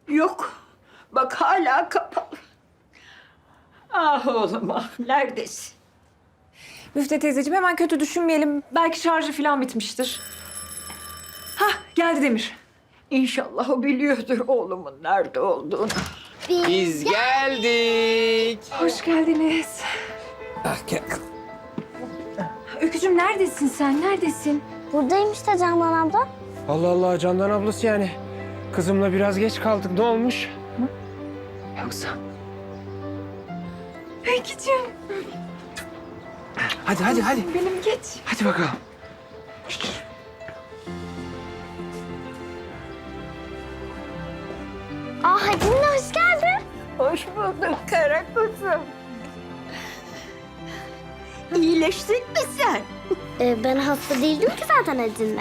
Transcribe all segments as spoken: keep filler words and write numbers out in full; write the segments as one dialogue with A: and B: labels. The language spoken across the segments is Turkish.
A: Yok. Bak hala kapalı. Ah oğlum ah. Neredesin?
B: Müfte teyzeciğim hemen kötü düşünmeyelim. Belki şarjı falan bitmiştir. Hah geldi Demir.
A: İnşallah o biliyordur oğlumun nerede olduğunu.
C: Biz geldik.
B: Hoş geldiniz.
C: Ah, gel.
B: Öykücüğüm neredesin sen? Neredesin?
D: Buradayım işte Candan abla.
C: Allah Allah, Candan ablası yani. Kızımla biraz geç kaldık. Ne olmuş?
B: Yoksa... Öykücüğüm.
C: Hadi hadi hadi.
B: Benim geç.
C: Hadi bakalım.
D: Aa Hacı nene hoş geldin.
A: Hoş bulduk kara kuzum. İyileştin mi sen?
D: Ee, ben hasta değildim ki zaten Hacı nene.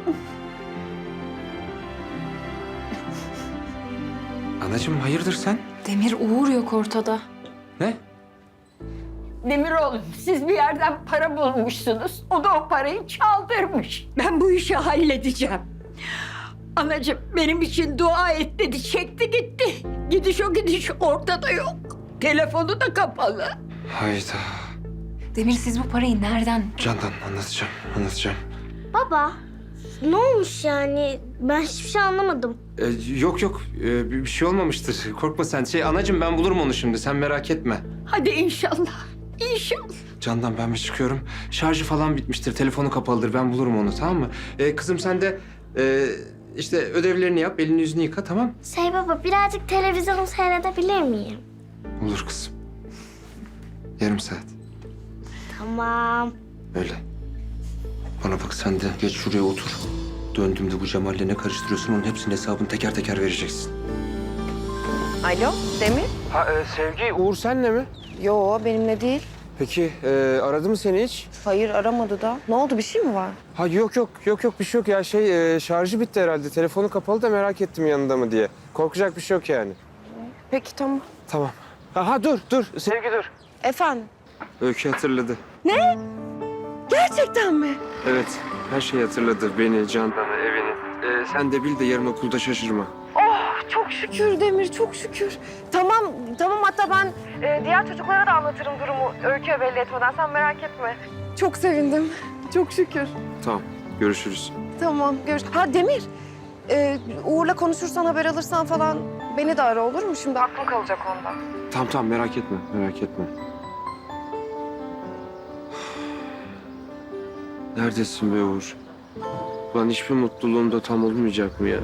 C: Anacığım hayırdır sen?
B: Demir Uğur yok ortada.
C: Ne?
A: Demir oğlum siz bir yerden para bulmuşsunuz. O da o parayı çaldırmış. Ben bu işi halledeceğim. Anacığım benim için dua et dedi. Çekti gitti. Gidiş o gidiş ortada yok. Telefonu da kapalı.
C: Hayda.
B: Demir siz bu parayı nereden?
C: Candan anlatacağım, anlatacağım.
D: Baba ne olmuş yani? Ben hiçbir şey anlamadım.
C: Ee, yok yok, ee, bir bir şey olmamıştır. Korkma sen. Şey anacığım ben bulurum onu şimdi. Sen merak etme.
A: Hadi inşallah. İnşallah.
C: Candan ben bir çıkıyorum. Şarjı falan bitmiştir. Telefonu kapalıdır. Ben bulurum onu, tamam mı? Ee, kızım sen de ee, işte ödevlerini yap. Elini yüzünü yıka, tamam?
D: Şey baba birazcık televizyon seyredebilir miyim?
C: Olur kızım. Yarım saat.
D: Tamam.
C: Öyle. Bana bak sen de geç şuraya otur. Döndüğümde bu Cemal'le ne karıştırıyorsun onun hepsinin hesabını teker teker vereceksin.
E: Alo, Demir?
C: Ha Sevgi, Uğur senle mi?
E: Yo, benimle değil.
C: Peki e, aradı mı seni hiç?
E: Hayır, aramadı da. Ne oldu, bir şey mi var?
C: Ha yok yok yok yok bir şey yok ya şey e, şarjı bitti herhalde. Telefonu kapalı da merak ettim yanında mı diye. Korkacak bir şey yok yani.
E: Peki, tamam.
C: Tamam. Aha dur dur Sevgi dur.
E: Efendim?
C: Öykü hatırladı.
E: Gerçekten mi?
C: Evet her şeyi hatırladı. Beni, Candan'ı, evini. E, sen de bil de yarın okulda şaşırma.
E: Oh, çok şükür Demir, çok şükür. Tamam, tamam. Hatta ben e, diğer çocuklara da anlatırım durumu Öykü'ye belli etmeden. Sen merak etme. Çok sevindim. Çok şükür.
C: Tamam görüşürüz.
E: Tamam, görüş. Ha Demir, e, Uğur'la konuşursan, haber alırsan falan beni de ara, olur mu? Şimdi aklım kalacak onda.
C: Tamam tamam merak etme merak etme. Neredesin be Uğur? Lan hiçbir mutluluğum da tam olmayacak mı ya?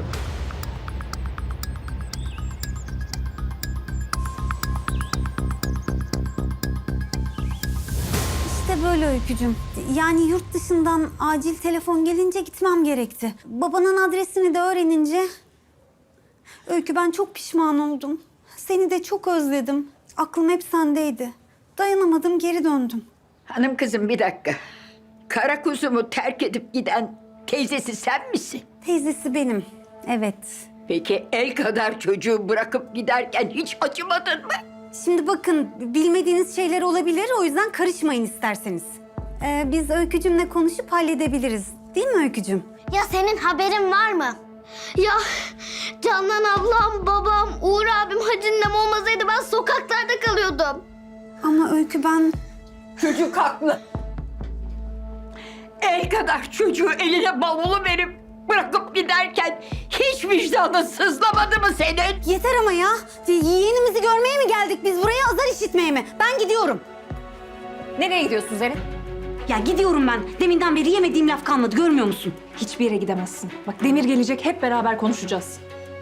F: İşte böyle Öykücüm. Yani yurt dışından acil telefon gelince gitmem gerekti. Babanın adresini de öğrenince... Öykü ben çok pişman oldum. Seni de çok özledim. Aklım hep sendeydi. Dayanamadım geri döndüm.
A: Hanım kızım bir dakika. Kara kuzumu terk edip giden teyzesi sen misin?
F: Teyzesi benim. Evet.
A: Peki el kadar çocuğu bırakıp giderken hiç acımadın mı?
F: Şimdi bakın bilmediğiniz şeyler olabilir. O yüzden karışmayın isterseniz. Ee, biz Öykücümle konuşup halledebiliriz. Değil mi Öykücüm?
D: Ya senin haberin var mı? Ya Candan ablam, babam, Uğur abim, Hacı ninem olmasaydı ben sokaklarda kalıyordum.
F: Ama Öykü ben...
A: Çocuk haklı. El kadar çocuğu eline bavulu verip bırakıp giderken hiç vicdanın sızlamadı mı senin?
F: Yeter ama ya. Yeğenimizi görmeye mi geldik biz buraya, azar işitmeye mi? Ben gidiyorum.
B: Nereye gidiyorsun Zerrin?
F: Ya gidiyorum ben. Deminden beri yemediğim laf kalmadı, görmüyor musun?
B: Hiçbir yere gidemezsin. Bak Demir gelecek, hep beraber konuşacağız.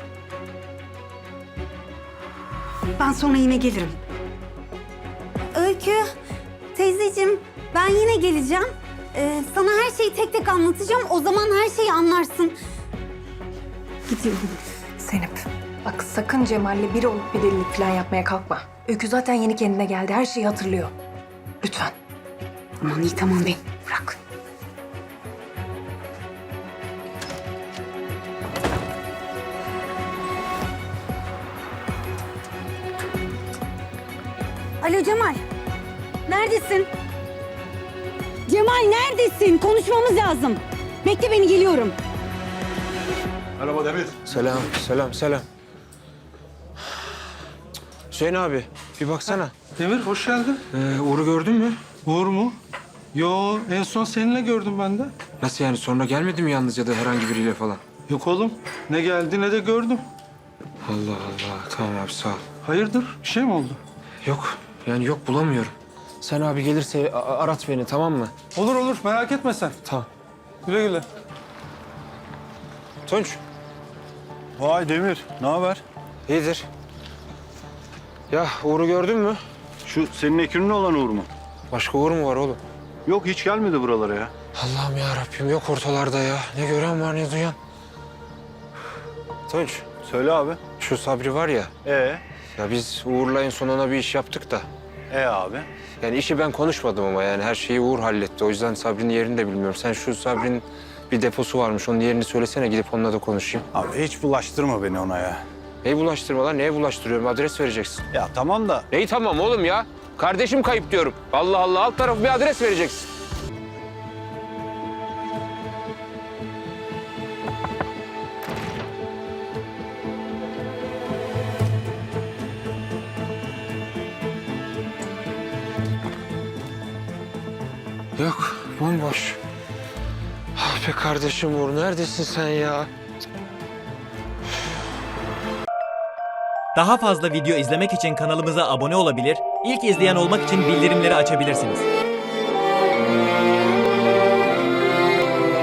F: Ben sonra yine gelirim. Öykü, teyzeciğim ben yine geleceğim. Ee, sana her şeyi tek tek anlatacağım. O zaman her şeyi anlarsın. Gidiyorum.
B: Zeynep, bak sakın Cemal'le biri olup bir delilik falan yapmaya kalkma. Öykü zaten yeni kendine geldi, her şeyi hatırlıyor. Lütfen.
F: Aman iyi tamam bey. Bırak. Alo Cemal. Neredesin? Cemal neredesin? Konuşmamız lazım. Bekle beni, geliyorum.
G: Merhaba Demir.
C: Selam selam selam. Hüseyin abi bir baksana.
G: Demir hoş geldin.
C: Ee, Uğur'u gördün mü?
G: Uğur mu? Yo, en son seninle gördüm ben de.
C: Nasıl yani, sonra gelmedi mi yalnız ya da herhangi biriyle falan?
G: Yok oğlum, ne geldi ne de gördüm.
C: Allah Allah, tamam abi sağ ol.
G: Hayırdır, bir şey mi oldu?
C: Yok, yani yok bulamıyorum. Sen abi gelirse a- arat beni, tamam mı?
G: Olur olur, merak etme sen.
C: Tamam.
G: Güle güle.
C: Tunç,
H: Vay Demir, ne haber?
C: iyidir. Ya Uğur'u gördün mü?
H: Şu senin ekürün olan Uğur mu?
C: Başka Uğur mu var oğlum?
H: Yok, hiç gelmedi buralara ya.
C: Allah'ım ya Rabbim, yok ortalarda ya. Ne gören var ne duyan. Tunç,
H: Söyle abi.
C: şu Sabri var ya.
H: Ee?
C: Ya biz Uğur'la en son ona bir iş yaptık da.
H: E abi?
C: Yani işi ben konuşmadım ama yani her şeyi Uğur halletti. O yüzden Sabri'nin yerini de bilmiyorum. Sen şu Sabri'nin bir deposu varmış. Onun yerini söylesene, gidip onunla da konuşayım.
H: Abi hiç bulaştırma beni ona ya.
C: Neyi bulaştırma lan? Neye bulaştırıyorum? Adres vereceksin.
H: Ya tamam da
C: Neyi tamam oğlum ya? Kardeşim kayıp diyorum. Allah Allah, alt tarafı bir adres vereceksin. Yok, bomboş. Ah be kardeşim Uğur, neredesin sen ya?
I: Daha fazla video izlemek için kanalımıza abone olabilir, ilk izleyen olmak için bildirimleri açabilirsiniz.